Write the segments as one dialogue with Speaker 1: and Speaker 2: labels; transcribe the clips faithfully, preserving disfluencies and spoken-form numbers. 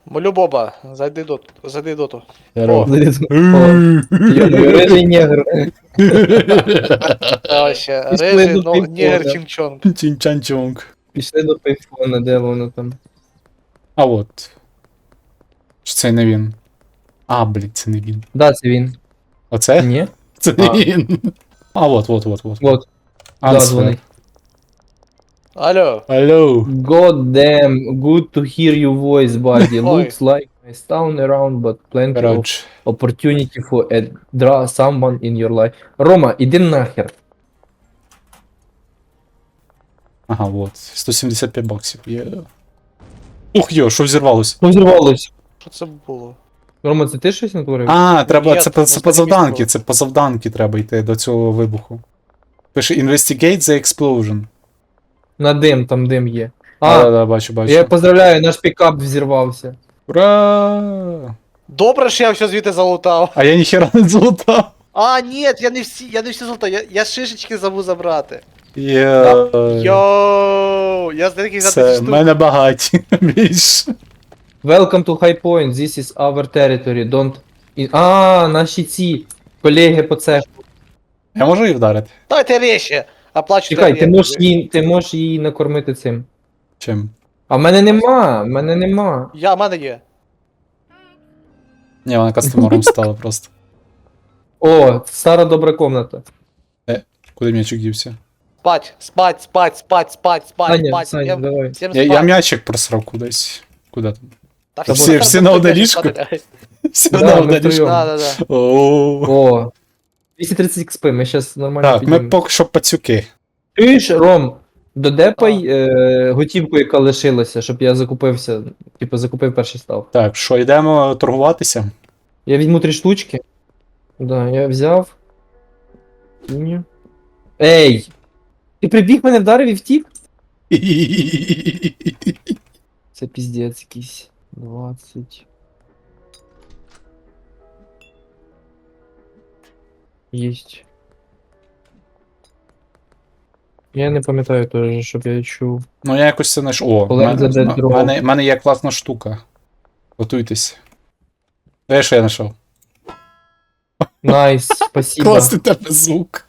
Speaker 1: Молю Боба, зайди до, зайди доту.
Speaker 2: Здорово.
Speaker 3: Рыжий негр.
Speaker 1: Та вообще,
Speaker 3: Пішли
Speaker 1: рижий,
Speaker 3: до
Speaker 1: но
Speaker 3: пейнтбола.
Speaker 1: нігер чінчонг.
Speaker 2: Чінчанчонг.
Speaker 3: Пішли до пейфона, де воно там.
Speaker 2: А от. Чи це не він? А, блін, це не він.
Speaker 3: Да, це він.
Speaker 2: Оце?
Speaker 3: Ні?
Speaker 2: Це не
Speaker 3: А.
Speaker 2: він. А, от, от, от, от.
Speaker 3: Вот. Да,
Speaker 2: Ансвер.
Speaker 3: дзвонить.
Speaker 1: Алло,
Speaker 2: Алло.
Speaker 3: God damn, good to hear your voice, buddy.
Speaker 1: Ой.
Speaker 3: Looks like I town around, but plenty of
Speaker 2: Коротше.
Speaker 3: opportunity for a draw someone in your life. Рома, іди нахер.
Speaker 2: Ага, от. сто сімдесят п'ять баксів. Є. Ух йо, що взірвалося?
Speaker 3: Розірвалось.
Speaker 1: що це було?
Speaker 3: Рома, це ти щось натворив?
Speaker 2: А, треба,
Speaker 1: Ні,
Speaker 2: це,
Speaker 1: це
Speaker 2: по- це по
Speaker 1: останнє
Speaker 2: завданки,
Speaker 1: місто.
Speaker 2: це по завданки треба йти до цього вибуху. Пише Investigate the explosion.
Speaker 3: На дим, там дим є.
Speaker 2: А,
Speaker 3: А,
Speaker 2: да, да, бачу, бачу.
Speaker 3: я поздравляю, наш пікап взірвався.
Speaker 2: Ура!
Speaker 1: Добре, що я все звідти залутав.
Speaker 2: А я ніхера не золотав.
Speaker 1: А, ні, я не всі, я не всі залутав, я, я шишечки забув забрати.
Speaker 2: Є.
Speaker 1: Йоу, я з таких за
Speaker 2: Це,
Speaker 1: тисячу
Speaker 2: в
Speaker 1: штук.
Speaker 2: мене багаті. Більше.
Speaker 3: Welcome to High Point, this is our territory, don't... in- А, наші ці колеги по цеху.
Speaker 2: Я можу її вдарити?
Speaker 1: Давайте речі, оплачуйте.
Speaker 3: Чекай, ти
Speaker 1: оренду.
Speaker 3: можеш її, ти можеш її накормити цим.
Speaker 2: Чим?
Speaker 3: А в мене нема, в мене нема.
Speaker 1: Я, в мене є.
Speaker 2: Ні, вона кастомером стала просто.
Speaker 3: О, стара добра комната.
Speaker 2: Куди м'ячик дівся?
Speaker 1: Спать, спать, спать, спать, спать, спать,
Speaker 3: Саня,
Speaker 1: спать.
Speaker 3: Саня,
Speaker 1: Я-
Speaker 3: давай.
Speaker 1: Всім
Speaker 2: Я,
Speaker 1: спать.
Speaker 2: я м'ячик просрав кудись. Куди там?
Speaker 1: Та
Speaker 3: Та
Speaker 1: всі-
Speaker 2: всі- всі на одне
Speaker 1: спати
Speaker 2: ліжко?
Speaker 1: лягають.
Speaker 2: Все
Speaker 3: Да,
Speaker 2: на
Speaker 3: ми
Speaker 2: одне
Speaker 3: втроєм.
Speaker 2: ліжко.
Speaker 1: Да, да, да.
Speaker 2: О.
Speaker 3: О. двісті тридцять ікс пі, ми зараз нормально
Speaker 2: Так, ми
Speaker 3: підіймемо.
Speaker 2: поки що пацюки.
Speaker 3: Чуєш, Ром, додепай е, готівку, яка лишилася, щоб я закупився. Типу, закупив перший став.
Speaker 2: Так, що, йдемо торгуватися?
Speaker 3: Я візьму три штучки. Да, я взяв. Ні. Ей! Ти прибіг мене вдарив і втік? Це піздець якийсь. двадцять. Єсть. Я не пам'ятаю теж, щоб я чув.
Speaker 2: Ну, я якось це знайшов. О, в
Speaker 3: Олег
Speaker 2: мене,
Speaker 3: заде
Speaker 2: в
Speaker 3: дров.
Speaker 2: мене, в мене є класна штука. Готуйтесь. Де що я знайшов?
Speaker 3: Найс, спасибо.
Speaker 2: Класний тебе звук.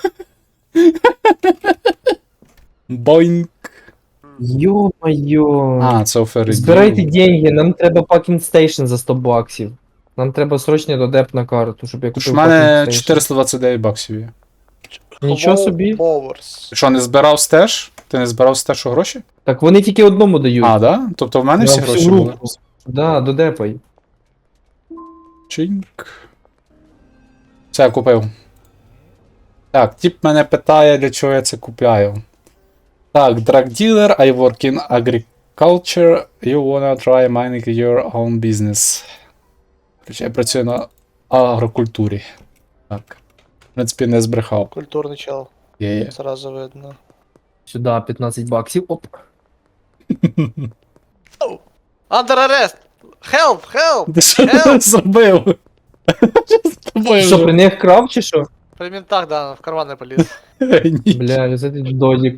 Speaker 2: Боінг.
Speaker 3: Йо-моє.
Speaker 2: А, це офери.
Speaker 3: Збирайте деньги, нам треба пакінг стейшн за сто баксів. Нам треба срочно додеп на карту, щоб я
Speaker 2: Тож
Speaker 3: купив
Speaker 2: в мене
Speaker 3: пакінг стейшн.
Speaker 2: чотириста двадцять дев'ять баксів є.
Speaker 3: Нічого собі.
Speaker 1: Powers.
Speaker 2: Ти що, не збирав стеж? Ти не збирав стеж у гроші?
Speaker 3: Так вони тільки одному дають.
Speaker 2: А, да? Тобто в мене
Speaker 3: Я
Speaker 2: всі
Speaker 3: всю
Speaker 2: гроші
Speaker 3: руку.
Speaker 2: були?
Speaker 3: Да, додепай.
Speaker 2: Чинк. Все, я купив. Так, тип мене питає, для чого я це купляю. Так, drug dealer, I work in agriculture, you wanna try mining your own business. Короче, я працюю на агрокультурі. Так. В принципі, не збрехав.
Speaker 1: Культурний чел,
Speaker 2: Є, є.
Speaker 1: сразу видно.
Speaker 3: Сюди п'ятнадцять баксів. Оп.
Speaker 1: Under arrest! Help, help!
Speaker 2: Ти що
Speaker 1: Help!
Speaker 2: зробив? Що з тобою?
Speaker 3: Що, при них крав чи що?
Speaker 1: При ментах, да, в карман не поліз.
Speaker 2: Ні.
Speaker 3: Бля, це ти додік.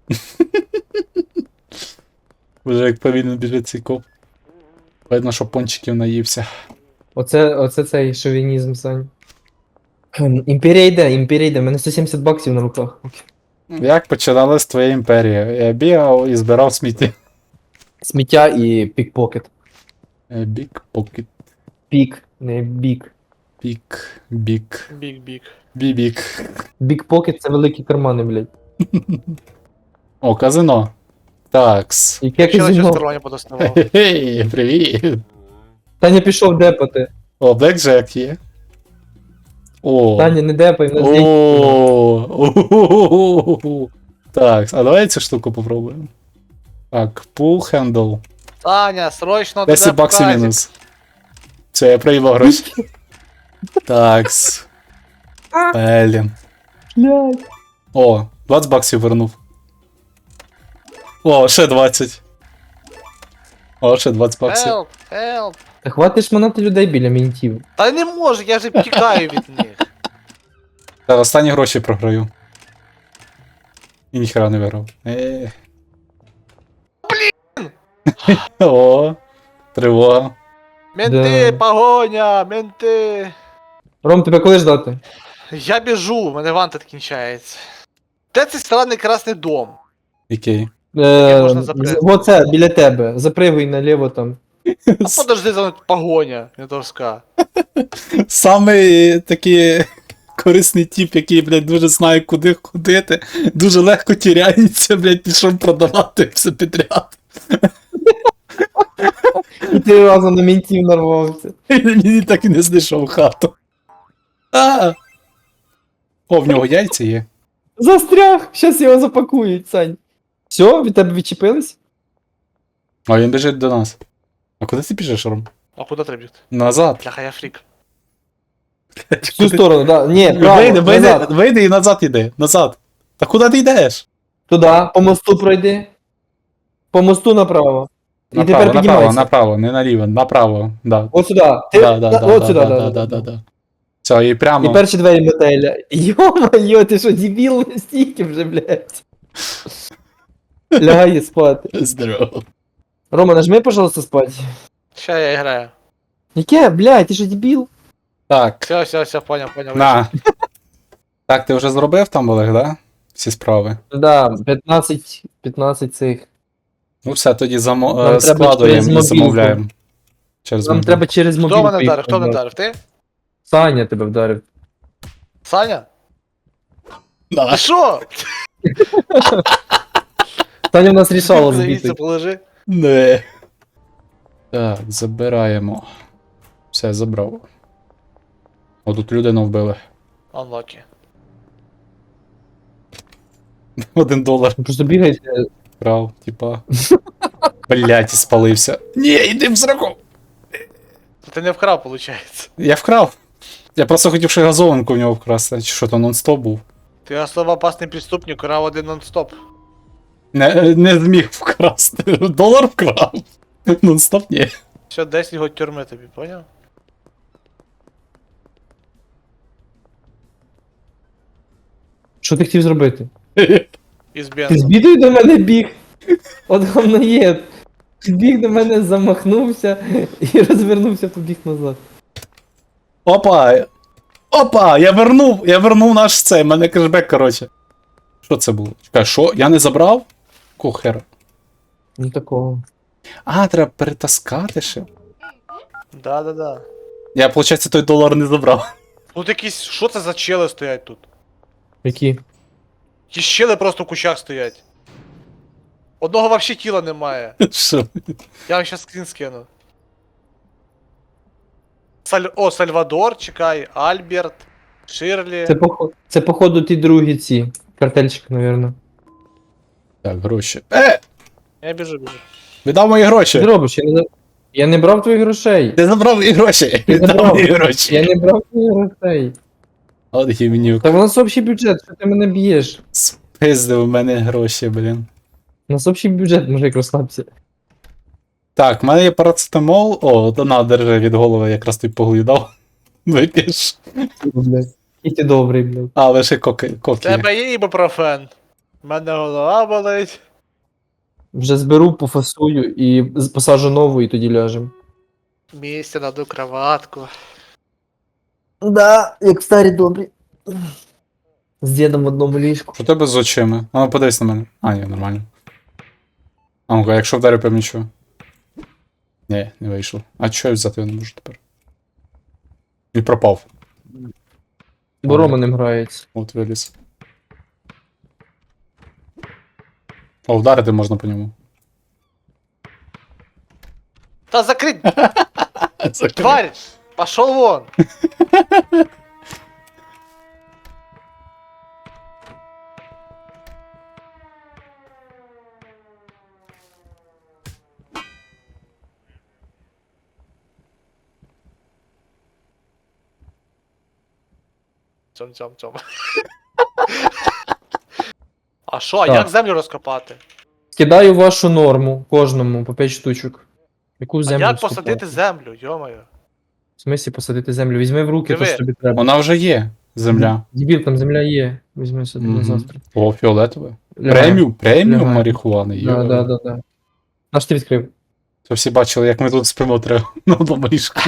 Speaker 2: Вже як повільно біжить цей коп. Видно, що пончиків наївся.
Speaker 3: Оце, оце цей шовінізм, Сань. Ем, Імперія йде, імперія йде, в мене сто сімдесят баксів на руках.
Speaker 2: Як починалась твоя імперія? Я бігав і збирав сміття.
Speaker 3: Сміття і пікпокет.
Speaker 2: Бік, покет,
Speaker 3: Пік, не бік.
Speaker 2: пік, бік,
Speaker 1: Бік-бік.
Speaker 2: бібік.
Speaker 3: Бікпокет це великі кармани, блядь.
Speaker 2: О, казино. Такс.
Speaker 3: Яке
Speaker 1: Ще на
Speaker 3: казино?
Speaker 1: частування подоставав.
Speaker 2: Хе-хей, привіт.
Speaker 3: Таня пішов депати.
Speaker 2: О, Блекджек є. О.
Speaker 3: Таня, не депай, в нас день.
Speaker 2: О. Так, а давай цю штуку попробуємо. Так, pull handle.
Speaker 1: Таня, срочно
Speaker 2: десять
Speaker 1: туди
Speaker 2: баксів
Speaker 1: показик.
Speaker 2: мінус. Все, я проїбав гроші. Такс. Блін.
Speaker 3: Блядь.
Speaker 2: О, двадцять баксів вернув. О, ще двадцять. О, ще двадцять баксів.
Speaker 1: Help, help.
Speaker 3: Та хватиш манати людей біля мінтів.
Speaker 1: Та не можу, я же втікаю від них.
Speaker 2: Так, останні гроші програю. І ніхера не виграв. Е. Блін! О, Тривога.
Speaker 1: Менти,
Speaker 3: Да.
Speaker 1: погоня, менти.
Speaker 3: Ром, тебе коли ждати?
Speaker 1: Я біжу, у мене вантед кінчається. Де цей странний красний дом?
Speaker 2: Який?
Speaker 3: Е,
Speaker 1: можна запрягти?
Speaker 3: з- Оце, біля тебе. Запригуй наліво там.
Speaker 1: А подожди, за мною погоня, ментовська.
Speaker 2: Самий такий корисний тип, який, блядь, дуже знає, куди ходити, дуже легко тіряється, блядь, пішов продавати все підряд.
Speaker 3: І ти разом на мінтів нарвався.
Speaker 2: Мені так і не знайшов хату. А! О, в нього яйця є.
Speaker 3: Застряг! Щас його запакують, Сань. Все, від тебе відчепились?
Speaker 2: А він біжить до нас. А куди ти біжиш, Ром?
Speaker 1: А куди треба бігти?
Speaker 2: Назад.
Speaker 1: Бляха, я фрік.
Speaker 3: В цю сторону, да. Ні, право,
Speaker 2: Вийди, вийди,
Speaker 3: назад.
Speaker 2: вийди і назад іди. Назад. Та куди ти йдеш?
Speaker 3: Туди, по мосту пройди. По мосту направо. І
Speaker 2: Направо,
Speaker 3: тепер
Speaker 2: направо,
Speaker 3: піднімайся.
Speaker 2: направо, не наліво, направо. Да.
Speaker 3: От сюди. Ти...
Speaker 2: Да, да,
Speaker 3: да,
Speaker 2: да,
Speaker 3: от
Speaker 2: да,
Speaker 3: сюди,
Speaker 2: да,
Speaker 3: да,
Speaker 2: да,
Speaker 3: да,
Speaker 2: да,
Speaker 3: да.
Speaker 2: да. Все, і прямо.
Speaker 3: І перші двері мотеля. Йо-моє, ти що, дебіл стільки вже, блядь. Лягай спати.
Speaker 2: Здорово.
Speaker 3: Рома, нажми, пожалуйста, спать.
Speaker 1: Ща я граю.
Speaker 3: Яке, блядь, ти що дебіл?
Speaker 2: Так,
Speaker 1: Все, все, все, поняв, поняв.
Speaker 2: на. Так, ти вже зробив там, Олег, да? Всі справи.
Speaker 3: Да, п'ятнадцять, п'ятнадцять цих.
Speaker 2: Ну все, тоді замо...
Speaker 3: Нам
Speaker 2: е,
Speaker 3: треба
Speaker 2: складуємо
Speaker 3: через
Speaker 2: і
Speaker 3: мобілку.
Speaker 2: замовляємо. Через
Speaker 3: Нам
Speaker 2: мобілку.
Speaker 3: треба через
Speaker 1: Хто
Speaker 3: мобілку.
Speaker 1: мене
Speaker 3: їх
Speaker 1: вдарив? Хто мене
Speaker 3: продати.
Speaker 1: вдарив? Ти?
Speaker 3: Саня тебе вдарив.
Speaker 1: Саня?
Speaker 2: Да.
Speaker 1: Ти що?
Speaker 3: Саня в нас рішало
Speaker 1: Завіться,
Speaker 3: збити.
Speaker 1: положи.
Speaker 2: Не. Так, забираємо. Все, забрав. О, тут людину вбили.
Speaker 1: Unlucky.
Speaker 2: Один долар
Speaker 3: Просто бігайте.
Speaker 2: брав, типа. Блять, і спалився. Ні, йди в зраку!
Speaker 1: Ти не вкрав, виходить.
Speaker 2: Я вкрав. Я просто хотів ще газованку в нього вкрасти, чи що то нон-стоп був.
Speaker 1: Ти особо опасний преступник, крав один нон-стоп.
Speaker 2: Не, не зміг вкрасти. Долар вкрав. Нон-стоп ні.
Speaker 1: Все, десять год тюрми тобі, поняв?
Speaker 3: Що ти хотів зробити?
Speaker 1: Із
Speaker 3: Ти з
Speaker 1: бензом.
Speaker 3: бідою до мене біг. От говноєд. Біг до мене, замахнувся і розвернувся, побіг назад.
Speaker 2: Опа! Опа! Я вернув! Я вернув наш цей, мене кешбек, короче. Що це було? Чекай, що? Я не забрав? Кухер.
Speaker 3: Ну такого.
Speaker 2: А, треба перетаскати ще.
Speaker 1: Да-да-да.
Speaker 2: Я, виходить, той долар не забрав.
Speaker 1: Тут якісь, що це за чели стоять тут?
Speaker 3: Які?
Speaker 1: Ті щели просто в кущах стоять. Одного вообще тіла немає.
Speaker 2: Що?
Speaker 1: Я вам щас скрін скину. Саль... О, Сальвадор, чекай, Альберт, Ширлі.
Speaker 3: Це походу, це походу ті другі ці. Картельчик, навірно.
Speaker 2: Так, гроші. Е!
Speaker 1: Я біжу, біжу.
Speaker 2: Віддав мої
Speaker 3: Що ти
Speaker 2: гроші!
Speaker 3: робиш? Я не, за- я не брав твоїх грошей.
Speaker 2: Ти забрав мої гроші!
Speaker 3: Я
Speaker 2: Віддав
Speaker 3: забрав.
Speaker 2: мої гроші!
Speaker 3: Я не брав твоїх грошей.
Speaker 2: От гівнюк.
Speaker 3: Та в нас общий бюджет, що ти мене б'єш?
Speaker 2: Спиздив у мене гроші, блін.
Speaker 3: У нас общий бюджет, мужик, розслабся.
Speaker 2: Так, в мене є парацетамол. О, то на, держи від голови, якраз той поглю дав. Вип'єш.
Speaker 3: Блядь. І ти добрий, блядь.
Speaker 2: А, лише коки.
Speaker 1: В
Speaker 2: коки.
Speaker 1: тебе є ібупрофен. У мене голова болить.
Speaker 3: Вже зберу, пофасую і з- посаджу нову, і тоді ляжем.
Speaker 1: Місце наду кроватку.
Speaker 3: Да, як в старі добрі. З дідом в одному ліжку.
Speaker 2: Що у тебе з очима? А ну подивись на мене. А, ні, нормально. А ну-ка, якщо вдарю по м'ячу. Ні, не вийшло. А чого я взяти його не можу тепер? І пропав.
Speaker 3: Бо Рома ним грається.
Speaker 2: От виліз. О, вдарити можна по ньому.
Speaker 1: Та закрить,
Speaker 2: Закрив.
Speaker 1: тварь! Пошел вон! Цьом, цьом, цьом. А що, а
Speaker 3: Так.
Speaker 1: як землю розкопати?
Speaker 3: Кидаю вашу норму кожному по п'ять штучок. Яку
Speaker 1: А
Speaker 3: землю
Speaker 1: як
Speaker 3: скупати?
Speaker 1: посадити землю, йомаю?
Speaker 3: В смислі посадити землю? Візьми в руки,
Speaker 1: Диви.
Speaker 3: то що тобі треба.
Speaker 2: Вона вже є. Земля.
Speaker 3: Дебіл, там земля є. Візьми собі на
Speaker 2: Мгм.
Speaker 3: завтра.
Speaker 2: О, фіолетове.
Speaker 3: Лягай.
Speaker 2: Преміум, преміум
Speaker 3: Лягай.
Speaker 2: марихуани.
Speaker 3: Да, да, да, да. Наш ти відкрив.
Speaker 2: Щоб всі бачили, як ми тут спимо треба на одному ліжку.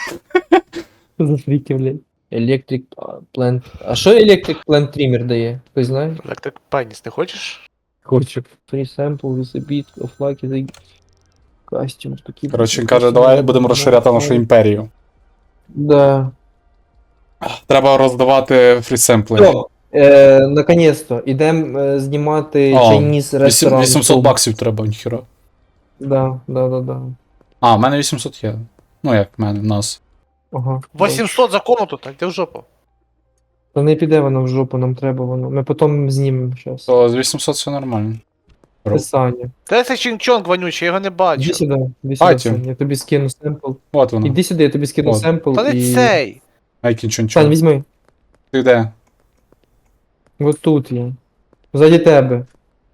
Speaker 3: За фріки, блядь. Electric Plant. А що Electric Plant Trimmer дає? Хтось знає?
Speaker 1: Electric Penis, не хочеш?
Speaker 3: Хочу. Free sample with a bit of lucky the costumes to keep...
Speaker 2: Коротше, він каже, давай будемо розширяти нашу імперію.
Speaker 3: Да.
Speaker 2: Треба роздавати фрісемпли.
Speaker 3: Все, е, наконец-то, ідемо е, знімати
Speaker 2: О,
Speaker 3: Chinese ресторан.
Speaker 2: вісімсот баксів треба, ніхіра.
Speaker 3: Да, да, да, да.
Speaker 2: А, в мене вісімсот є. Ну як в мене, в нас.
Speaker 3: Ага.
Speaker 1: вісімсот за комнату, так де в жопу.
Speaker 3: Та не піде воно в жопу, нам треба воно. Ми потім знімемо щас.
Speaker 2: То з вісімсот все нормально.
Speaker 3: Писання.
Speaker 1: Та це Чінг-Чонг вонючий, я його не
Speaker 3: Іди
Speaker 1: бачу.
Speaker 3: сюди, іди сюди,
Speaker 2: Бачу.
Speaker 3: Сань, я тобі скину семпл.
Speaker 2: От воно.
Speaker 3: Іди сюди, я тобі скину
Speaker 2: От.
Speaker 3: семпл
Speaker 1: Та не
Speaker 3: і...
Speaker 1: цей.
Speaker 2: Айкін чон
Speaker 3: Сань,
Speaker 2: чон.
Speaker 3: візьми.
Speaker 2: Ти де?
Speaker 3: От тут є. Ззаді тебе.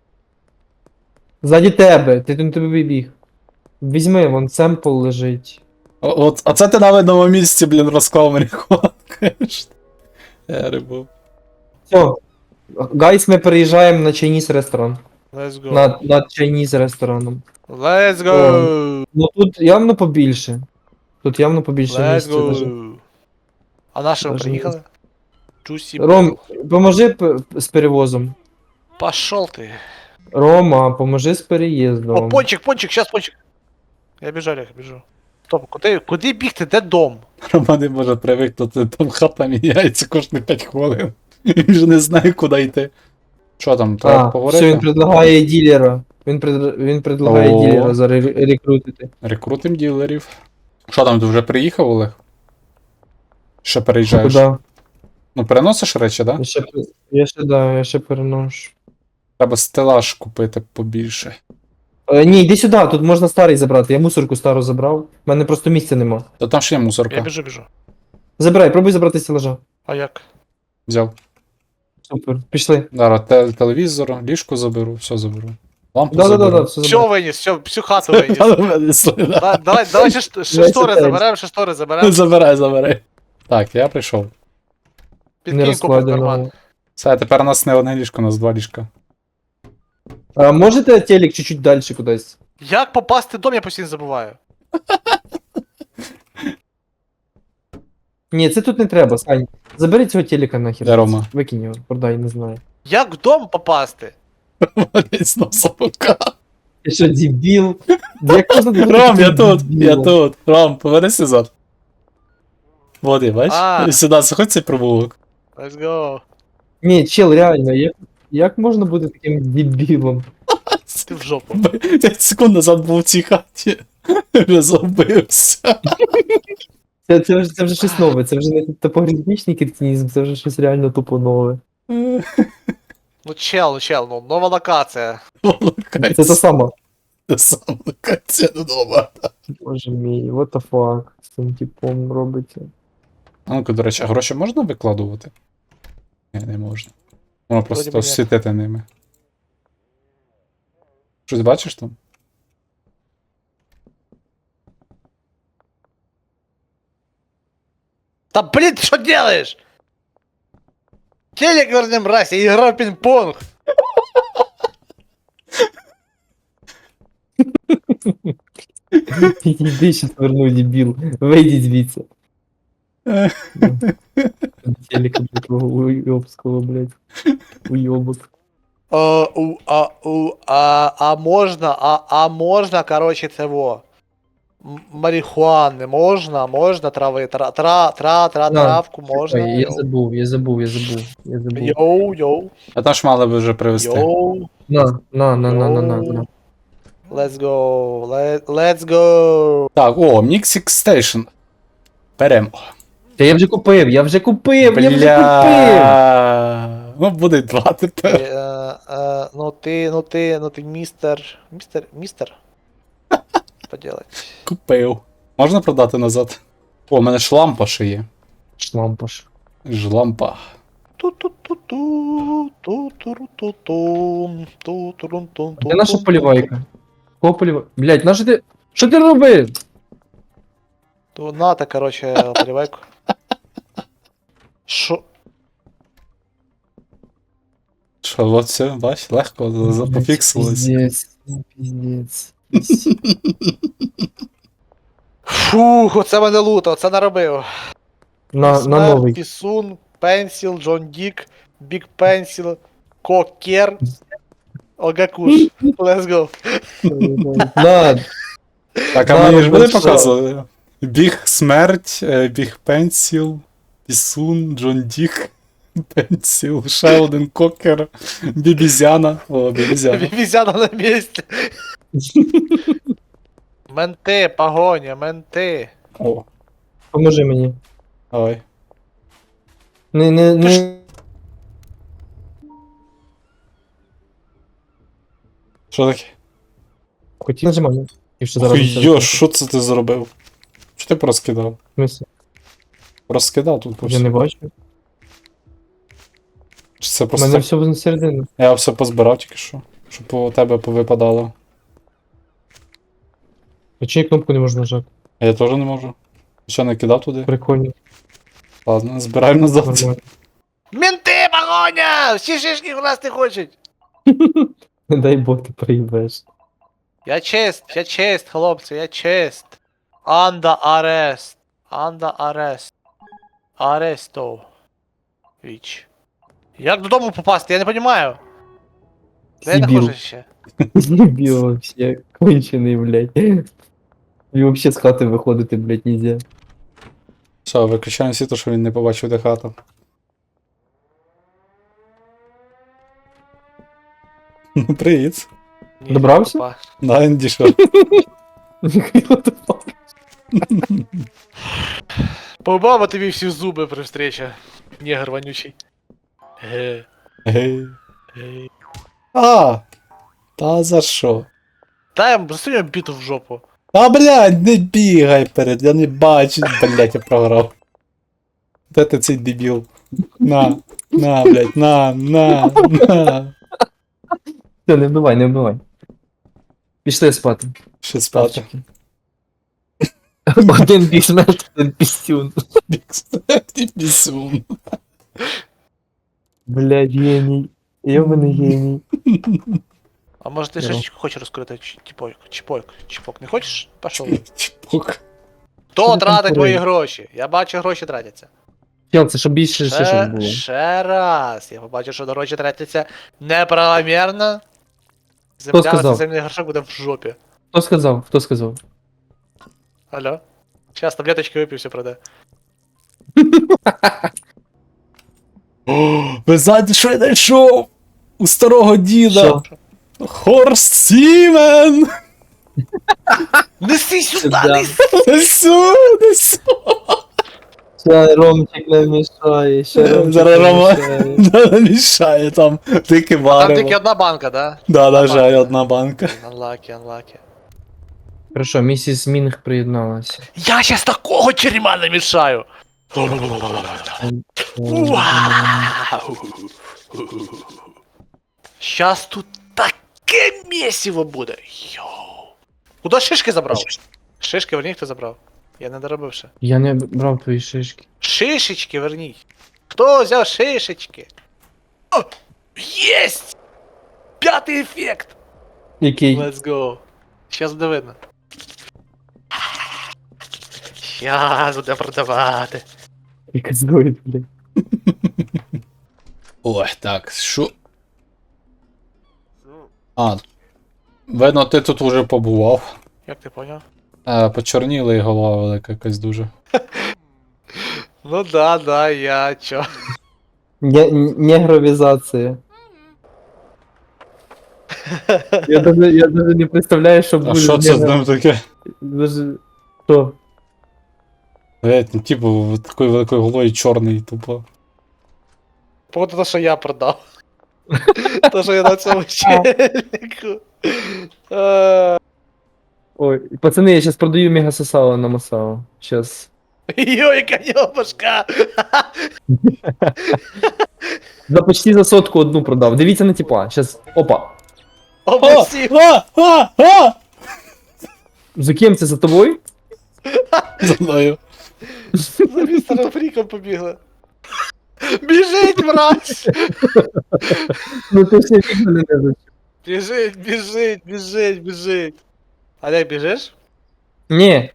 Speaker 3: Ззаді тебе, ти тут тебе вибіг. Візьми, вон семпл лежить.
Speaker 2: О- От, а це ти на видному місці, блін, розклав марихуану, конечно. Я рибу.
Speaker 3: Все. Гайс, ми переїжджаємо на Chinese ресторан.
Speaker 1: Let's go.
Speaker 3: Над, над Chinese рестораном.
Speaker 1: Let's go.
Speaker 3: Ну тут явно побільше. Тут явно побільше
Speaker 1: Let's
Speaker 3: місця. даже.
Speaker 1: go. А на що ви
Speaker 3: Даже
Speaker 1: приїхали? Джусі.
Speaker 3: Ром, поможи п- з перевозом.
Speaker 1: Пошел ти.
Speaker 3: Рома, поможи з
Speaker 1: О,
Speaker 3: переїздом.
Speaker 1: пончик, пончик, щас пончик. Я біжу, Олег, біжу. Стоп, куди, куди бігти, де дом?
Speaker 2: Роман не може привикнути, там хата міняється кожні п'ять хвилин. Він вже не знає, куди йти. Що там, треба
Speaker 3: А, все, він
Speaker 2: поговорити?
Speaker 3: предлагає ділера. Він, пред, він предлагає
Speaker 2: О.
Speaker 3: ділера зарекрутити.
Speaker 2: Рекрутим ділерів. Що там, ти вже приїхав, Олег? Ще переїжджаєш?
Speaker 3: Куда?
Speaker 2: Ну, переносиш речі, да?
Speaker 3: Я ще, пер- я ще, да, я ще переношу.
Speaker 2: Треба стелаж купити побільше.
Speaker 3: Е, ні, йди сюди, тут можна старий забрати. Я мусорку стару забрав. У мене просто місця нема.
Speaker 2: Та там ще є
Speaker 1: Я
Speaker 2: мусорка.
Speaker 1: біжу, біжу.
Speaker 3: Забирай, пробуй забрати стелажа.
Speaker 1: А як?
Speaker 2: Взяв.
Speaker 3: Супер, пішли.
Speaker 2: Зараз те- телевізор, ліжко заберу, все заберу. Лампу
Speaker 3: Да, да, да,
Speaker 2: заберу.
Speaker 3: да, все
Speaker 1: Все
Speaker 3: забрав.
Speaker 1: виніс, все, всю хату виніс.
Speaker 2: Та ну, мене слина.
Speaker 1: Да- Давай, давай ще, шт- ще
Speaker 3: Весь
Speaker 1: штори
Speaker 3: отель.
Speaker 1: заберемо, ще штори заберемо.
Speaker 2: Забирай, забирай. Так, я прийшов.
Speaker 3: Не
Speaker 1: Підкинь купу в карман.
Speaker 3: розкладено.
Speaker 2: Все, тепер у нас не одне ліжко, у нас два ліжка.
Speaker 3: А можете телек чуть-чуть далі кудись?
Speaker 1: Як попасти в дом, я постійно забуваю.
Speaker 3: Ні, це тут не треба, Сань. Забери цього телека нахер.
Speaker 2: Де Рома?
Speaker 3: Викинь його, продай, не знаю.
Speaker 1: Як в дом попасти?
Speaker 2: Валять знов собака.
Speaker 3: Ти що, дебіл? Як можна бути
Speaker 2: Ром, я
Speaker 3: таким
Speaker 2: тут, я
Speaker 3: дебілом?
Speaker 2: тут. Ром, повернись назад. Води, бач?
Speaker 1: А.
Speaker 2: Сюди, заходь цей провулок.
Speaker 1: Let's go.
Speaker 3: Ні, чел, реально, як, як можна бути таким дебілом?
Speaker 1: Ти в жопу.
Speaker 2: п'ять секунд назад був в цій хаті. Вже забився.
Speaker 3: Це, це, вже, це вже щось нове, це вже не топографічний кретинізм, це вже щось реально тупо нове.
Speaker 1: Ну чел, ну чел, ну нова локація.
Speaker 3: Це та сама.
Speaker 2: Це саме локація додому.
Speaker 3: Боже мій, what the fuck з цим типом робиться.
Speaker 2: А ну-ка, до речі, а гроші можна викладувати? Ні, не можна. Можна просто
Speaker 1: би ні.
Speaker 2: світити ними. Щось бачиш там?
Speaker 1: Та блін, ти що делаєш? Телек верни, мразь, я играю в пинг-понг.
Speaker 3: Іди ще поверну, дебіл. Вийдіть звідси. Телека такого уйобського, блядь. Уйобок.
Speaker 1: А, у, а, у, а, а можна, а, а можна, короче, цього. М- Марихуани можна, можна трави, тра, тра, тра, тра,
Speaker 3: На,
Speaker 1: травку можна.
Speaker 3: Ой, я забув, я забув, я забув. Я забув.
Speaker 1: Йоу, йоу,
Speaker 2: А там ж мали би вже привезти.
Speaker 1: йоу.
Speaker 3: На, на, на, на, на, на, на.
Speaker 1: Let's go, let, let's go.
Speaker 2: Так, о, Mixing Station. Беремо.
Speaker 3: Та я вже купив, я вже купив, я вже купив!
Speaker 2: Бля. Ну, буде два
Speaker 1: Е,
Speaker 2: тепер.
Speaker 1: е, ну ти, ну ти, ну ти містер, містер, містер. Поделать.
Speaker 2: Купив. Можна продати назад? О, у мене ж лампа ще є.
Speaker 3: Шлампаш.
Speaker 2: Ж лампа.
Speaker 1: Ту-ту-ту-ту, ту-туру-ту-тум, ту-турун-тум-тум.
Speaker 3: Де наша полівайка? Кого полівайка? Блять, наша ти... Що ти робив?
Speaker 1: То нате, короче, поливайку. Шо?
Speaker 2: Що, от все, бач, легко за- за- пофіксилось.
Speaker 3: Піздець, ну, піздець.
Speaker 1: Фух, оце мене луто, оце наробив.
Speaker 3: На, на
Speaker 1: Смерть,
Speaker 3: новий.
Speaker 1: Пісун, Пенсіл, Джон Дік, Бік Пенсіл, Кокер, Огакуш. Let's go.
Speaker 3: На,
Speaker 2: Так, а
Speaker 3: Да,
Speaker 2: мені ж
Speaker 3: ну
Speaker 2: буде
Speaker 3: що?
Speaker 2: показувати? Біг смерть, е, біг пенсіл, пісун, Джон Дік, пенсіл, ще один кокер, бібізяна. О, бібізяна.
Speaker 1: Візяна на місці. Менти, погоня, менти.
Speaker 2: О,
Speaker 3: поможи мені.
Speaker 2: давай.
Speaker 3: Не, не,
Speaker 1: Ти ж-
Speaker 3: не.
Speaker 2: Що таке?
Speaker 3: Хотів нажимати. І що зараз.
Speaker 2: Хуйо, що це ти зробив? Що ти проскидав?
Speaker 3: Мисля.
Speaker 2: Розкидав тут по
Speaker 3: Я не
Speaker 2: всьому.
Speaker 3: бачу.
Speaker 2: Чи це
Speaker 3: У
Speaker 2: просто
Speaker 3: мене
Speaker 2: так?
Speaker 3: все на середину.
Speaker 2: Я все позбирав тільки що. Щоб у тебе повипадало.
Speaker 3: А чи кнопку не можна нажати?
Speaker 2: А я теж не можу. Що, не кидав туди?
Speaker 3: Прикольно.
Speaker 2: Ладно, збираємо назад.
Speaker 3: Нормально.
Speaker 1: Менти, погоня! Всі шишки у нас не хочуть.
Speaker 3: Не дай Бог ти приїбеш.
Speaker 1: Я чест, я чест, хлопці, я чест. Анда арест. Анда арест. Аресто. Віч. Як додому попасти, я не розумію. Де я
Speaker 3: Сибір.
Speaker 1: нахожусь ще?
Speaker 3: Дебіл вообще. Кончений, блядь. І вообще з хати виходити, блядь, нельзя.
Speaker 2: Все, виключаємо світло, що він не побачив, де хата. Ну, привіт.
Speaker 1: Ні,
Speaker 3: Добрався?
Speaker 1: попа.
Speaker 2: Да, він дійшов.
Speaker 3: What the fuck?
Speaker 1: Побава тобі всі зуби при встречі. Негр вонючий. Ге,
Speaker 2: Гей.
Speaker 1: ге.
Speaker 2: А! Та за що?
Speaker 1: Дай їм засунь біту в жопу.
Speaker 2: А, блядь, не бігай перед, я не бачу, блядь, я програв. Де ти цей дебіл? На, на, блядь, на, на, на.
Speaker 3: Все, не вбивай, не вбивай. Пішли спати.
Speaker 2: Ще спати.
Speaker 3: Павчики. Один бісмет, один пістюн.
Speaker 2: Ти пісун.
Speaker 3: Блядь, геній. Йобаний геній.
Speaker 1: А може ти
Speaker 3: Ну.
Speaker 1: шишечку хочеш розкрити? Чи- Чіпойк, чіпойк, чіпок. Не хочеш? Пошов.
Speaker 2: Чпок.
Speaker 1: Хто
Speaker 3: Що ти
Speaker 1: тратить
Speaker 3: там
Speaker 1: мої
Speaker 3: курив?
Speaker 1: гроші? Я бачу, гроші тратяться.
Speaker 3: Чел, це щоб більше шишок
Speaker 1: Ще,
Speaker 3: було.
Speaker 1: ще раз. Я побачу, що гроші тратяться неправомірно. Земля на
Speaker 3: сказав?
Speaker 1: цей земний горшок буде в жопі.
Speaker 3: Хто сказав? Хто сказав?
Speaker 1: Алло? Сейчас таблеточки випив, все проде.
Speaker 2: О, ви знаєте, що я знайшов? У старого діда.
Speaker 3: Що?
Speaker 2: Хорст Сімен!
Speaker 1: Неси сюди,
Speaker 3: Да.
Speaker 1: неси!
Speaker 2: Несу, несу.
Speaker 3: Ще Ромчик не мішає, ще Ромчик
Speaker 2: Зараз
Speaker 3: не
Speaker 2: Рома
Speaker 3: мішає.
Speaker 2: не мішає там. Тільки
Speaker 1: Там
Speaker 2: варево.
Speaker 1: тільки одна банка, да?
Speaker 2: Да, на жаль,
Speaker 1: банка.
Speaker 2: одна банка.
Speaker 1: Unlucky, unlucky.
Speaker 3: Хорошо, місіс Мінг приєдналася.
Speaker 1: Я щас такого черема намішаю! Вау! Щас тут таке місиво буде. Йоу. Куда шишки забрав? Шишки верніть, хто забрав. Я не доробив ще.
Speaker 3: Я не брав твої шишки.
Speaker 1: Шишечки верніть. Хто взяв шишечки? О! Єсть! П'ятий ефект!
Speaker 3: Який?
Speaker 1: Let's go. Щас буде видно. Щас буде продавати.
Speaker 3: Приказує, блядь.
Speaker 2: Ой, так, що? А, видно, ти тут уже побував.
Speaker 1: Як ти поняв?
Speaker 2: Е, почорніла і голова велика якась дуже.
Speaker 1: Ну да, да, я чо.
Speaker 3: Не- Негровізація. Я даже, я даже не представляю, що буде.
Speaker 2: А що це з ним таке?
Speaker 3: Даже... Що?
Speaker 2: Блять, ну типу, такою великою головою чорний, тупо.
Speaker 1: Походу то, що я продав. То, що я на цьому челіку. Е,
Speaker 3: Ой, пацани, я сейчас продаю мега сосало на Масао. Сейчас.
Speaker 1: Йо, яка нього башка!
Speaker 3: За почти за сотку одну продав. Дивіться на типа. Сейчас. Опа.
Speaker 1: Обусів!
Speaker 2: А! А! А!
Speaker 3: За ким це за тобою?
Speaker 2: За мною.
Speaker 1: За містером Фріком побігла. Біжить, мразь!
Speaker 3: Ну ти ще фіг мене не зачув.
Speaker 1: Біжить, біжить, біжить, біжить. Олег, біжиш?
Speaker 3: Ні.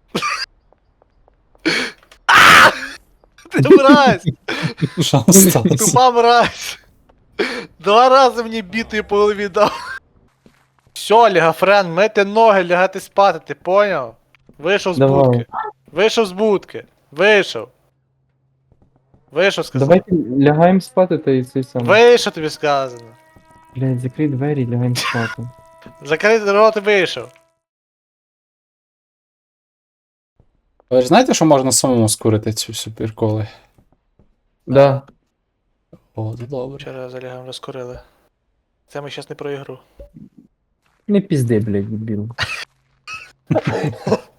Speaker 1: Ти мразь!
Speaker 2: Що сталося?
Speaker 1: Тупа мразь! Два рази мені бітою по голові дав. Все, Лігафрен, мити ноги, лягати спати, ти поняв? Вийшов з
Speaker 3: Давай.
Speaker 1: будки. Вийшов з будки. Вийшов. Вийшов, сказав.
Speaker 3: Давайте лягаємо спати та і це саме.
Speaker 1: Вийшов, тобі сказано.
Speaker 3: Блядь, закрий двері і лягаємо спати.
Speaker 1: Закрити рот і вийшов.
Speaker 2: Ви ж знаєте, що можна самому скурити цю всю приколи?
Speaker 3: Да.
Speaker 2: О, це добре.
Speaker 1: Вчора з Олегом розкурили. Це ми щас не про ігру.
Speaker 3: Не пізди, блядь, дебіл.